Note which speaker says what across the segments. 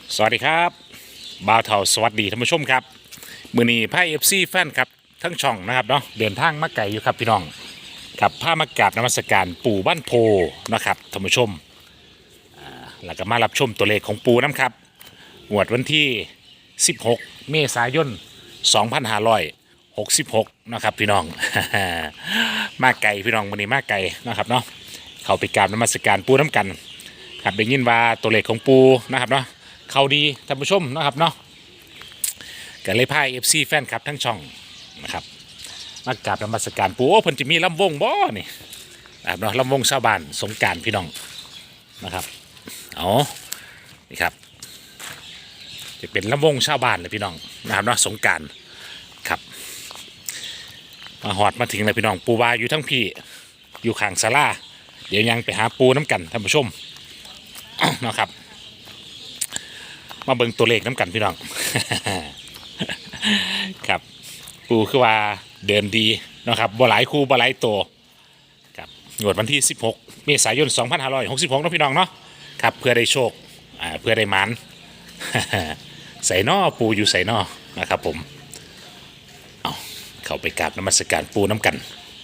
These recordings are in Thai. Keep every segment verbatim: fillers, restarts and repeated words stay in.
Speaker 1: สวัสดีครับบ่าวเถาสวัสดีท่านผู้ชมครับมือนี้ไพ่เอฟซีแฟนครับทั้งช่องนะครับเนาะเดินทางมาไกลอยู่ครับพี่น้องกับผ้ามากราบนมัสการปู่บ้านโพนะครับท่านผู้ชมอ่าแล้วก็มารับชมตัวเลขของปู่น้ำครับงวดวันที่สิบหกเมษายนสองพันห้าร้อยหกสิบหกนะครับพี่น้อง มาไกลพี่น้องมือนี้มาไกลนะครับเนาะเข้าไปกราบนมัสการปู่น้ำกันครับได้ยินว่าตัวเลขของปู่นะครับเนาะเขาดีท่านผู้ชมนะครับเนาะก็เลยพาเอฟซีแฟนครับทั้งช่องนะครับมากราบนมัสการปู่โอ้เพิ่นจะมีลำวงบ่นี่นะครับเนาะลำวงชาวบ้านสงกรานต์พี่น้องนะครับเอานี่ครับจะเป็นลำวงชาวบ้านเลยพี่น้องนะครับเนาะสงกรานต์ครับมาหอดมาถึงเลยพี่น้องปู่วาอยู่ทั้งพี่อยู่ข้างศาลาเดี๋ยวยังไปหาปูน้ำกันท่านผู้ชม นะครับมาเบิ่งตัวเลขน้ำกันพี่น้อง ครับปูคือว่าเดินดีนะครับบ่หลายคู่บ่หลายตัวครับงวดวันที่สิบหกเมษายนสองพันห้าร้อยหกสิบหกนะพี่น้องเนาะครับเพื่อได้โชคอ่าเพื่อได้หมาน ใส่นอปูอยู่ใส่นอนะครับผมเอาเข้าไปกราบนมัสการปูน้ำกัน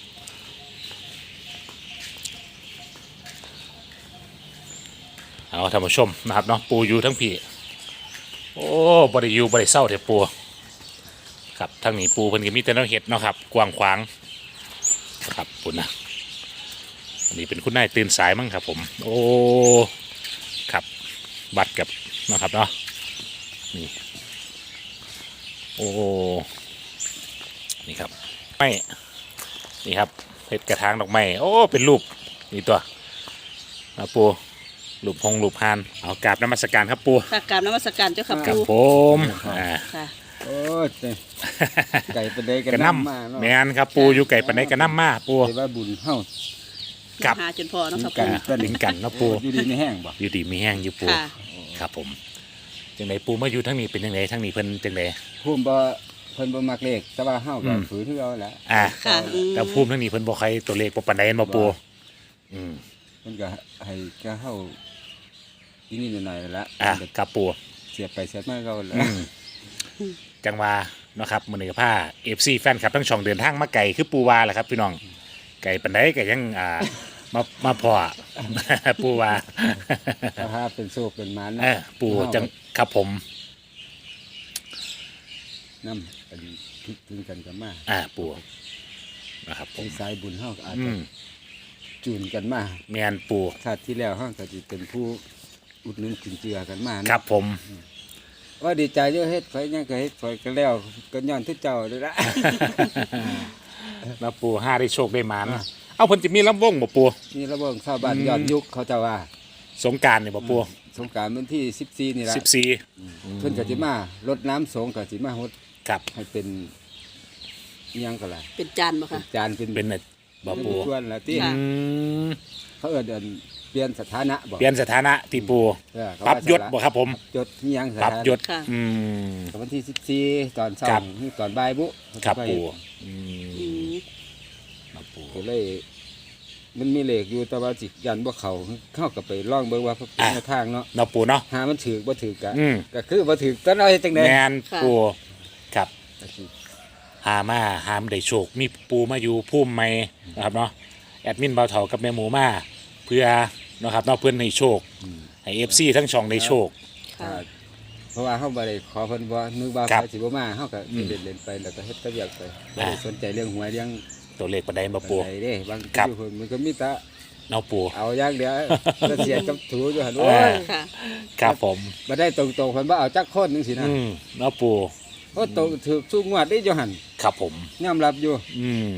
Speaker 1: เอาท่านผู้ชมนะครับเนาะปูอยู่ทั้งพี่โอ้บริยูบริเศร้าเถอะปูครับทั้งนี้ปูเพิ่นก็มีแต่แนวเห็ดเนาะครับกว้างขวางครับปุ่นนะอันนี้เป็นคุณนายตื่นสายมั้งครับผมโอ้ครับบัตรกับนะครับเนาะนี่โอ้นี่ครับไม่นี่ครับเห็ดกระถางดอกไม้โอ้เป็นรูปนี่ตัวนะปูรูปพงรูปพานเอากราบนมัสการครับปู
Speaker 2: ค่ะกราบนมัสการเจ้าค่ะ
Speaker 1: ครั
Speaker 2: ปู่
Speaker 1: บผมอ่า
Speaker 2: ค่ะ
Speaker 3: โอ้ยไก่ปลาเดก
Speaker 1: กระ
Speaker 3: ระ
Speaker 1: น้
Speaker 3: น้ำมา
Speaker 1: ำ
Speaker 3: เนาะ
Speaker 1: แมนครับปูอยู่ไก่ปานใดกระน้ำมาปู
Speaker 3: เรียกว่าบุญเฮา
Speaker 1: ครับ
Speaker 2: หาจนพอเนาะค่ะ
Speaker 1: กั
Speaker 2: ปู่
Speaker 1: นถึงกันเนาะปู
Speaker 3: อยู่ดีในแห้งบ่
Speaker 1: อยู่ดีมีแห้งอยู่ปู
Speaker 2: ค่ะ
Speaker 1: ครับผมจังไดปูมาอยู่ทั้งนี้เป็นจังไดทั้งนี้เพิ่นจังได
Speaker 3: ภูมิบ่เพิ่นบ่มักเลขแต่ว่าเฮาก็
Speaker 1: อืม
Speaker 3: ฝืนคือเอาแหละ
Speaker 1: อ่า
Speaker 2: ค่ะอืม
Speaker 1: แต่ภูมิทั้งนี้เพิ่นบ่ใครตัวเลขบ่ปานใดเห็นบ่ปูอืม
Speaker 3: เพิ่นก็ให้แกเฮาอีนี่หน่อยๆละ
Speaker 1: อ่ะครับปู
Speaker 3: เสียบไปเสียบมาก็แล้
Speaker 1: อืมจังว่าเนาะครับมื้อนี้ก็พา เอฟ ซี แฟนคลับทั้งช่องเดินทางมาไกลคือปูวาแหละครับพี่น้องไกลปานใดก็ยังอ่ามามาพอ ปูวา
Speaker 3: ถ้าเป็นโชคเป็นหมาน
Speaker 1: เออปูจังครับผม
Speaker 3: นำกันคิดถึงกันก็มา
Speaker 1: อ่าปูนะครับผ
Speaker 3: เป็น
Speaker 1: ม
Speaker 3: สายบุญเฮาก็อาจ
Speaker 1: อื
Speaker 3: จะ
Speaker 1: ม
Speaker 3: จูนกันมา
Speaker 1: แมนปู
Speaker 3: ชาติที่แล้วเฮาก็สิเป็นผู้อุดหนุนจุนเจือกันมานะครับ
Speaker 1: ผม
Speaker 3: ว่าดีใจเยอะเฮ็ดข่อยยังก็เฮ็ดข่อยก็แล้วก็ย้อนทุกเจ้าเลยละ
Speaker 1: มาปูห้าได้โชคได้หมานเอาเพิ่นจะมีลำวงบ่ปู
Speaker 3: นี่ระเบิงชาวบ้าน
Speaker 1: อืม
Speaker 3: ยอดยุคเขาเจะว่า
Speaker 1: สงกรารนี่บ่ปู
Speaker 3: สงกรารวันที่สิบสี่นี่ละ
Speaker 1: สิบสี่
Speaker 3: เพิ่นก็สิมารดน้ำสงก็สิมาฮด
Speaker 1: ครับ
Speaker 3: ให้เป็นอิหยังก็ล่ะ
Speaker 2: เป็นจานบ่
Speaker 3: เป็
Speaker 2: ค่ะ
Speaker 3: นจานเป็น
Speaker 1: เป็นน่ะบ่ปู
Speaker 3: ส่วนละที่
Speaker 2: ค่ะ
Speaker 1: อืม
Speaker 3: เขาเอิ้นเอิ้นเปลี่ยนสถานะบ่
Speaker 1: เปลี่ยนสถานะที่ปู
Speaker 3: เออเขา
Speaker 1: ปรับ
Speaker 3: ว่าย
Speaker 1: ศบ่ครับผม
Speaker 3: ยศอิหยังส
Speaker 1: ปรับ
Speaker 3: ถานะ
Speaker 1: ยศ
Speaker 2: ค่ะ
Speaker 1: อืม
Speaker 3: ก็วันที่สิบสี่ตอนเช้า
Speaker 1: ครับ
Speaker 3: หรือตอนบ่ายบุ
Speaker 1: ครับปูอื
Speaker 2: อื
Speaker 1: ม
Speaker 2: ม
Speaker 1: ครับปู
Speaker 3: ก็เลย มันมีเลขอยู่แต่ว่าสิยันบ่เข้าเข้าก็ไปลองเบิ่งว่าเขาเป็นแนวทางเนาะ
Speaker 1: เนาะปูเนาะ
Speaker 3: หามันถือบ่ถือก็
Speaker 1: อืม
Speaker 3: ก็คือบ่ถือตอนเอาเฮ็ดจังได๋
Speaker 1: แมนปูครับหามาหามได้โชคมีปูมาอยู่พุ่มใหม่นะครับเนาะแอดมินเบาเถากับแม่หมูมาเพื่อเนาะครับเนาะเพื่อนให้โชคให้ เอฟ ซี ทั้งช่องได้โชค
Speaker 2: ค่ะ
Speaker 3: เพราะว่าเฮาบ่ได้ขอเพิ่นบ่นึกว่า
Speaker 1: ครับ
Speaker 3: เขาสิบ่มาเฮาก็
Speaker 1: อืม
Speaker 3: เล่นๆไปแล้วก็เฮ็ดก็เรียกไปบ่ได้
Speaker 1: อ่า
Speaker 3: สนใจเรื่องหวยเรื่อง
Speaker 1: ตัวเลขปันไดมาปู
Speaker 3: อะไรเด้บาง
Speaker 1: ครับ
Speaker 3: อยู่เพิ่นมันก็มีแต่
Speaker 1: เนาะปู
Speaker 3: เอาอย่างเดียวแล้วเสียกับถูอยู่หั่น
Speaker 1: เอ
Speaker 3: โอ้
Speaker 1: อ
Speaker 3: ย
Speaker 2: ค่ะ
Speaker 1: ครับผม
Speaker 3: บ่ได้ตรงๆเพิ่นบ่เอาจักคนจังซี่นะ
Speaker 1: อืมเนาะปู
Speaker 3: โอ้ตรงถูกทุกงวดได้อยู่หั่น
Speaker 1: ครับผม
Speaker 3: ยอมรับอยู่
Speaker 1: อืม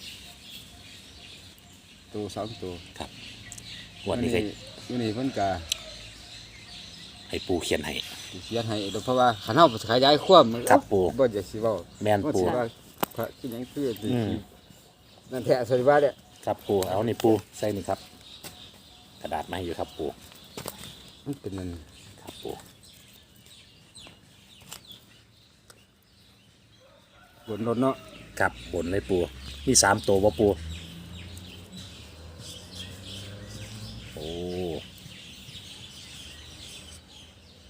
Speaker 3: ตัวสองตัว
Speaker 1: วันนี้ก็
Speaker 3: อยู่นี่เพิ่นก็
Speaker 1: ให้ปูเขียนให้
Speaker 3: สิเขียนให้เพราะว่าคันเฮาขยายความมัน
Speaker 1: ครับปู่
Speaker 3: บ่อยากสิเว้า
Speaker 1: แมน
Speaker 3: ว่า
Speaker 1: ปู
Speaker 3: สิว่าพระที่หยังคือสิ
Speaker 1: อืม
Speaker 3: นั่นแท้สริว่าเนี่ย
Speaker 1: ครับปูเอานี่ปูใส่นี่ครับ กระดาษมาให้อยู่ครับปู
Speaker 3: มันเป็นนั่น
Speaker 1: ครับปู
Speaker 3: บนรถเนาะ
Speaker 1: ครับบนเลยปูมีสามตัวบ่ปูโอ้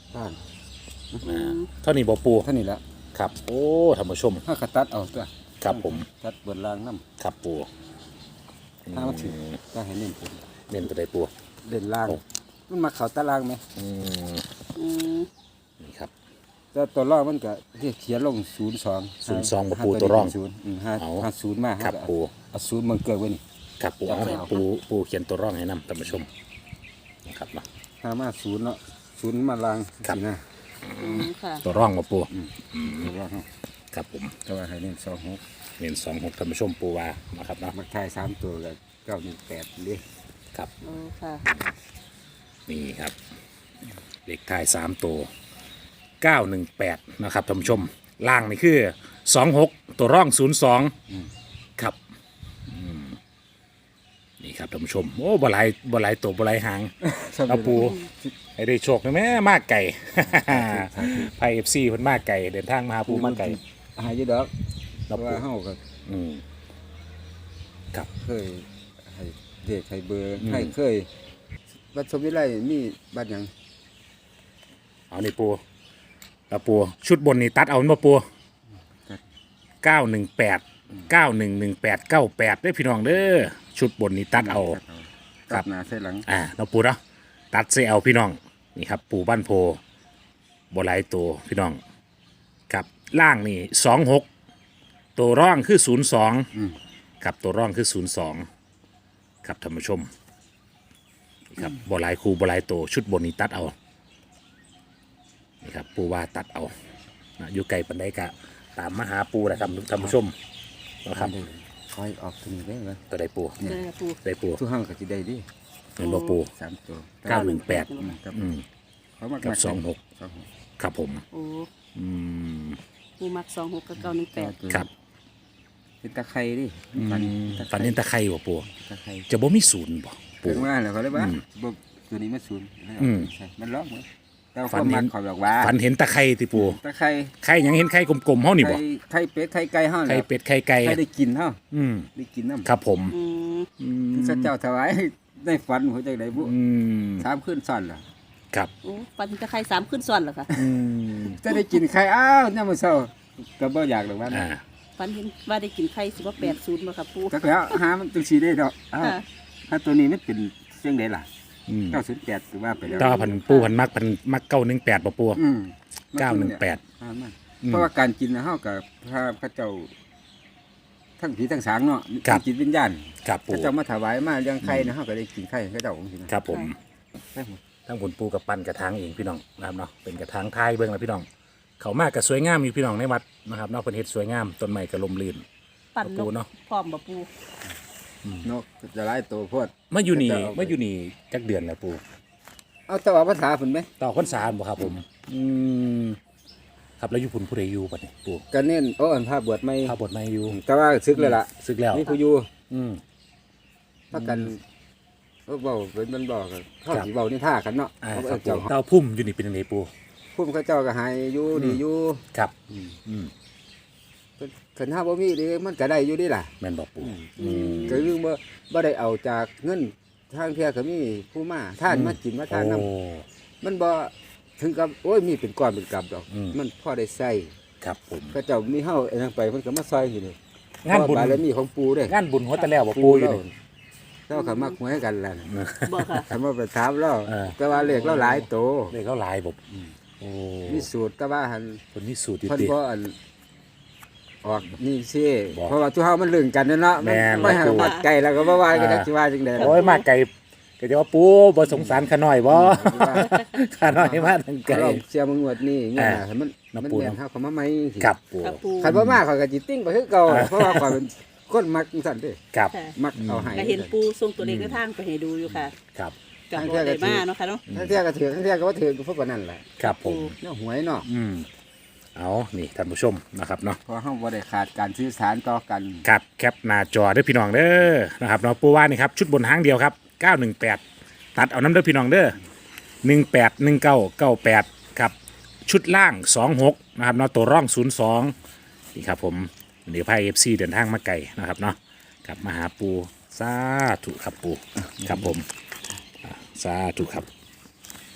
Speaker 3: ท่าน
Speaker 1: อ่าเท่านี้บ่ปู
Speaker 3: เท่านี้ละ
Speaker 1: ครับโอ้ท่านผู้ชม
Speaker 3: ถ้ากระตัดเอาตัว
Speaker 1: ครับผม
Speaker 3: ตัดบนรางน้
Speaker 1: ครับปู
Speaker 3: ำถ้ามันถึงก็ให้เน้นผม
Speaker 1: เน้นตัวใดปู
Speaker 3: เล่นราง
Speaker 1: โอ้
Speaker 3: มันมาเข่าตารางไหม
Speaker 1: อืม
Speaker 2: อืม
Speaker 1: นี่ครับ
Speaker 3: แต่ตัวร่องมันก็เขียนลงศูนย์สอง
Speaker 1: ศูนย์สองบ่ปูตัวร่อง
Speaker 3: ศูนย์อืมห้า
Speaker 1: เอา
Speaker 3: ห้าศูนย์มา
Speaker 1: ครับ
Speaker 3: ห้า
Speaker 1: ปู
Speaker 3: เอาศูนย์มันเกิดไว้นี่
Speaker 1: ครับปูเอา
Speaker 3: เอา
Speaker 1: ปูปูเขียนตัวร่องให้นำท่านผู้ชมนะครับเนาะ
Speaker 3: ห้ามาศูนย์เนาะศูนย์มาลาง
Speaker 1: ครับ
Speaker 3: สินะ
Speaker 2: อืมค่ะ
Speaker 1: ตัวร่องบ่ปู
Speaker 3: ตัวร่อง
Speaker 1: ครับผม
Speaker 3: แต่ว่าให้เน้นสองหก
Speaker 1: เน้นสองหกท่านผู้ชมปูว่านะครับเนาะ
Speaker 3: มักทายสามตัวกับเก้าหนึ่งแปดดิ
Speaker 1: ครับ
Speaker 2: โอ้ค่ะ
Speaker 1: นี่ครับเลขท้ายสามตัวเก้าหนึ่งแปดนะครับท่านผู้ชมล่างนี่คือสองหกตัวร่องศูนย์สองครับอืมนี่ครับท่านผู้ชมโอ้บหลายบหลายตัวบหลายหางเอาปูให้ได้โชคนะแม่มากไก่ ไพเอฟซีเพิ่นมากไก่เดินทางมาหาปูมากไก่
Speaker 3: หายอยี่ดอกเพ
Speaker 1: เรา
Speaker 3: ราะ
Speaker 1: ปู
Speaker 3: ว่าเฮาก็
Speaker 1: อืมครับ
Speaker 3: เคยให้เด็กให้เบอร์
Speaker 1: อืม
Speaker 3: ให้เคยวัดสมวิไลมีบัตรหยัง
Speaker 1: เอานี่ปูเราปูชุดบนนี่ตัดเอามาปูเก้าหนึ่งแปดเก้าหนึ่งหนึ่งแปดเก้าแปดได้อพี่น้องเด้อชุดบนนี่ตัดเอา ครั
Speaker 3: ตั
Speaker 1: บ
Speaker 3: ดหน้าใส่หลัง
Speaker 1: อ่าเราปูเนาะตัดเซเอาพี่น้องนี่ครับปูบ้านโพบหลายตัวพี่น้องกับล่างนี่สองหกตัวร่องคือศูนย์สองครับตัวร่องคือศูนย์สองครับท่านผู้ชมนี่ครับบหลายคูบหลายตัวชุดบนนี้ตัดเอานี่ครับปูว่าตัดเอานะอยู่ไกลปันไดกะตามมาหาปูนะครับท่านผู้ชมนะครับ
Speaker 3: คอยออกตัวนี้ได้เหรอ
Speaker 1: ตัวใดปู
Speaker 2: เด้อปู
Speaker 1: ได้ปู
Speaker 3: ทุกห้างก็จะได้ดิ
Speaker 1: เงินบ่ปู
Speaker 3: สามตัว
Speaker 1: เก้าหนึ่งแปด
Speaker 3: อืมครับ
Speaker 1: อืม
Speaker 3: เขามา
Speaker 1: กับสองหก
Speaker 3: สองหก
Speaker 1: ครับผม
Speaker 2: โอ้
Speaker 1: อืม
Speaker 2: ปูมักสองหกกับเก้าหนึ่งแปด
Speaker 1: ครับ
Speaker 3: เป็นตะไคร้ดิ
Speaker 1: ฝันฝันเห็นตะไคร่บ่ปู
Speaker 3: ตะไคร้
Speaker 1: จะบ่มีศูนย์บ่ปู
Speaker 3: ถึงว่าแล้วเขาเลยว่า
Speaker 1: อืม
Speaker 3: บ่ตัวนี้มันศูนย์แล้ว
Speaker 1: อืม
Speaker 3: ใช่มันล็อกเหมือนแต่
Speaker 1: ฝั
Speaker 3: คน น
Speaker 1: เห็
Speaker 3: มัน นขอบอกว่า
Speaker 1: ฝันเห็นตะไคร่ติปู
Speaker 3: ตะไคร้
Speaker 1: ไข่หยังเห็นไข่กลมๆเฮานี่บ่
Speaker 3: ไข่ไข่เป็ดไข่ไก่เฮา
Speaker 1: ไข่
Speaker 3: แล้ว
Speaker 1: เป็ดไข่ไก่
Speaker 3: ไข่ได้กินเฮา
Speaker 1: อืม
Speaker 3: ได้กินน้ำ
Speaker 1: ครับผม
Speaker 2: อืม
Speaker 1: อืม
Speaker 3: พระเจ้าถวายได้ฝันหัวใจไหนบุ
Speaker 1: อืม
Speaker 3: สามขึ้นซ้อนล่ะ
Speaker 1: ครับ
Speaker 2: โอ้ปันจะใครสามขึ้นซ้อนเหรอคะ
Speaker 1: อืม
Speaker 3: จะได้กินไข่อ้าวเนี่ยามมื้อเช้าก็บ่อยากหรอกว่า
Speaker 1: อ่า
Speaker 2: ปันเห็นว่าได้กินไข่สิบว่าแปดศูนย์มาค่ะปู
Speaker 3: จักแล้วหามันจังซี่ได้ดอกอ้าว
Speaker 2: ค่ะ
Speaker 3: ถ้าตัวนี้มันเป็นเสียงใดล่ะ
Speaker 1: อืม
Speaker 3: เก้าศูนย์แปดคือว่าไปแล้ว
Speaker 1: แต่ว่าพันปูพันมักพันมักเก้าหนึ่งแปดบ่ปู
Speaker 3: อืม
Speaker 1: เก้าหนึ่งแปด
Speaker 3: อ่ามัน
Speaker 1: อืม
Speaker 3: เพราะว่าการกินนะเฮากับพระพระเจ้า ทั้งผีทั้งสางเนาะ
Speaker 1: ครับ
Speaker 3: จิตวิญญาณ
Speaker 1: ครับปู
Speaker 3: พระเจ้ามาถวายมาเลี้ยงไข่นะเฮาก็ได้กินไข่พระเจ้าองค์สินะครับ
Speaker 1: ผม
Speaker 3: ได้หมด
Speaker 1: ทั้งผลปูกับปั้นกระถางเองพี่น้องนะครับเนาะเป็นกระถางท้ายเบิ่งแล้วพี่น้อง เขามากกับสวยงามอยู่พี่น้องในวัดนะครับเนอกเป็นเฮ็ดสวยงามต้นไม้ก็ลมลื่น
Speaker 2: ปั่นน
Speaker 1: ปู
Speaker 2: ก
Speaker 1: เนาะ
Speaker 2: พร้อมบ่ปู
Speaker 3: นกจะหลายตัวโพด
Speaker 1: มาอยู่นี่
Speaker 3: จะเอาไป
Speaker 1: มาอยู่นี่จักเดือนแล้วปู
Speaker 3: เอาแตว่าภาษาเพิ่นไหม
Speaker 1: ต่อคนสามบ่ครับผมอืมครับแล้วอยู่พุ่นผู้ใดอยู่บัดนี้ปู
Speaker 3: ก็เน้นโอ้อันภาพบวชไม่
Speaker 1: ข้าบทไม่อยู่
Speaker 3: แต่ว่าซึกเลยล่ะ
Speaker 1: ซึกแล้ว
Speaker 3: มีผู้อยู่
Speaker 1: อืม
Speaker 3: พักกันเออเว้าเป็นมันบอกกันเขา
Speaker 1: ครับ
Speaker 3: สิเว้านิท่ากันเนาะ
Speaker 1: อ่า
Speaker 3: เขา
Speaker 1: ครับ
Speaker 3: เจ้า
Speaker 1: ปูเต้าพุ่มอยู่นี่เป็นยังไงปู
Speaker 3: พุ่มเขาเจ้าก็หายอยู่ดีอยู่
Speaker 1: ครับอืม
Speaker 3: คันถ้าบ่มีดีมันก็ได้อยู่ดีล่ะ
Speaker 1: แม่นบอกปู
Speaker 2: อืม
Speaker 3: ก็คือบ่บ่ได้เอาจากเงินทางเที่ยก็มีผู้มาท่านมากินมาทาน
Speaker 1: โอ้
Speaker 3: น้ำมันบ่ถึงกับโอ้ยมีเป็นก้อนเป็นกำดอก
Speaker 1: อืม
Speaker 3: มันพอได้ใส่
Speaker 1: ครับผม
Speaker 3: เขาเจ้ามีเฮาไอ้นั่นไปมันก็มาซอยอยู่นี่
Speaker 1: งานบุญ
Speaker 3: เพระบารมีของปู่เด้
Speaker 1: งานบุญหัวตะแล้วบ่ปูอยู่นี่
Speaker 3: เราก็มักหวยกันล่ะ
Speaker 2: บ่ค่ะ
Speaker 3: ถ้ามาไปถามเรา
Speaker 1: เออ
Speaker 3: แต่ว่าเลขเราหลายโต
Speaker 1: เลขเขาหลายบ่โอ้
Speaker 3: มีสูตรแต่ว่าหัน
Speaker 1: คนนี้สูตรอยู่
Speaker 3: เพิ่น
Speaker 1: ติ
Speaker 3: บ่อันออกนี่สิ
Speaker 1: บอก
Speaker 3: เพราะว่าทุกเฮามันลึงกันเนาะ
Speaker 1: แม่น
Speaker 3: ไม่ให้
Speaker 1: บอกปู่
Speaker 3: วัดไกลแล้วก็บ่ว่ากัน
Speaker 1: อ่า
Speaker 3: จักสิว่าจังได๋
Speaker 1: โอ้ยมาไกลก็จะว่าปูบ่สงสารขาน้อยบ่ ขาน้อยมาทางไกล
Speaker 3: เราเสียมึงงวดนี้เงี้ย
Speaker 1: อ่า
Speaker 3: ให้มัน
Speaker 1: น้ำ
Speaker 3: มัน
Speaker 1: ปู
Speaker 3: แม่น
Speaker 1: น้ำ
Speaker 3: เฮาเข้ามาใหม่สิ
Speaker 1: ครับปู
Speaker 2: ครับปู
Speaker 3: คันบ่มาเขาก็จิติ้งไปคือเก่าเพราะว่าข่อยเป็นคนมักจังซั่นเด้
Speaker 1: ครับ
Speaker 2: ค่ะ
Speaker 3: มักเอาให้
Speaker 2: ก็เห็นปูส่งตัวเลขในทางไปให้ดูอยู่ค่ะ
Speaker 1: ครับ
Speaker 2: กับบ่ได้มาเนาะค่ะเนาะ
Speaker 3: ทั้งเที่ยก็ถือทั้งเที่ยก็บ่ถือก็พวกนั้นแหละ
Speaker 1: ครับผม
Speaker 3: เนาะหวยเนาะ
Speaker 1: อืมเอานี่ท่านผู้ชมนะครับเนาะ
Speaker 3: เพราะเฮาบ่ได้ขาดการสื่อสารต่อกัน
Speaker 1: ครับแคปหน้าจอเด้อพี่น้องเด้อนะครับเนาะปูว่านี่ครับชุดบนหางเดียวครับเก้าหนึ่งแปดตัดเอาน้ำเด้อพี่น้องเด้อหนึ่งแปดหนึ่งเก้าเก้าแปดครับชุดล่างสองหกนะครับเนาะตัวร่องศูนย์สองนี่ครับผมเดี๋ยวพายเอฟซีเดินทางมาไกลนะครับเนาะกลับมาหาปูสาธุครับปูครับผมอ่าสาธุครับ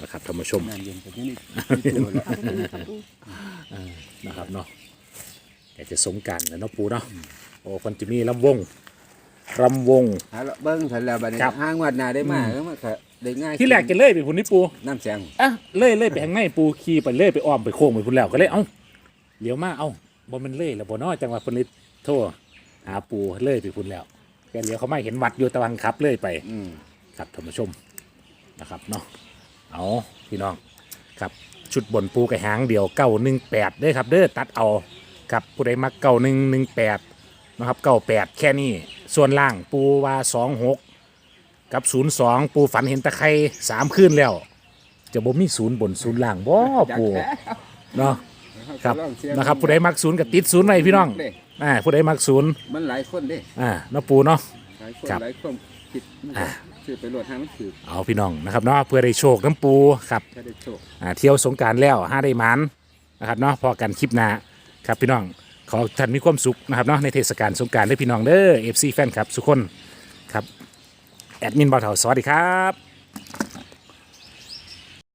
Speaker 1: นะครับท่านผู้ชม
Speaker 3: น้ำเย็นกับที่นี่ที่ตัวแล้ว
Speaker 2: เอาไปเลยค่ะปู
Speaker 1: นะครับเนาะแต่จะสงกรารแล้วเนาะปูเนาะโอ้คนจะมีลำวงลำวง
Speaker 3: หาละเบิ้งทันแล้วบัดนี้
Speaker 1: ครับ
Speaker 3: ห้างวัดหนาได้มากแล้วมันก็ได้ง่าย
Speaker 1: ที่แรกจะเลื่อยไปพุ่นนี่ปู
Speaker 3: น้ำแสง
Speaker 1: อ่ะเลื่อยเลื่อยไปทางไหนปูขี่ไปเลื่อยไปอ้อมไปโค้งไปพุ่นแล้วก็เลยเอ้าเลี้ยวมาเอ้าบนมันเลื่อยแล้วบนนอจังหวะพุ่นเลยโทษหาปูเลื่อยไปพุ่นแล้วแกเลี้ยวเขาไม่เห็นวัดอยู่ตะวันขับเลื่อยไป
Speaker 3: อืม
Speaker 1: ครับท่านผู้ชมนะครับเนาะเอาพี่น้องครับชุดบนปูกระหางเดียวเก้าหนึ่งแปดเด้อครับเด้อตัดเอาครับผู้ใดมักเก้าหนึ่งหนึ่งแปดนะครับเก้าแปดแค่นี้ส่วนล่างปูว่าสองหกกับศูนย์สองปูฝันเห็นตะไคร่สามคืนแล้ว จะบ่มีศูนย์บนศูนย์ล่างบ่ปูเนาะครับนะครับผู้ใดมักศูนย์กับติดศูนย์ไว้พี่น้องอ่าผู้ใดมักศูนย์
Speaker 3: มันหลายคนเด้
Speaker 1: อ่าเนาะปูเนาะ
Speaker 3: หลายคน
Speaker 1: ครับ
Speaker 3: หลายคนคิดมันก็ซื้อไปโหลดทางมันถือ
Speaker 1: เอาพี่น้องนะครับเนาะเพื่อได้โชคน้ำปูครับ
Speaker 3: ถ้าได้โชค
Speaker 1: อ่าเที่ยวสงกรารแล้วห้าได้หมันนะครับเนาะพอกันคลิปหน้าครับพี่น้องขอให้ท่านมีความสุขนะครับเนาะในเทศกาลสงกรารด้วยพี่น้องเด้อเอฟซีแฟนครับทุกคนครับแอดมินบ่าวเถาสวัสดีครับ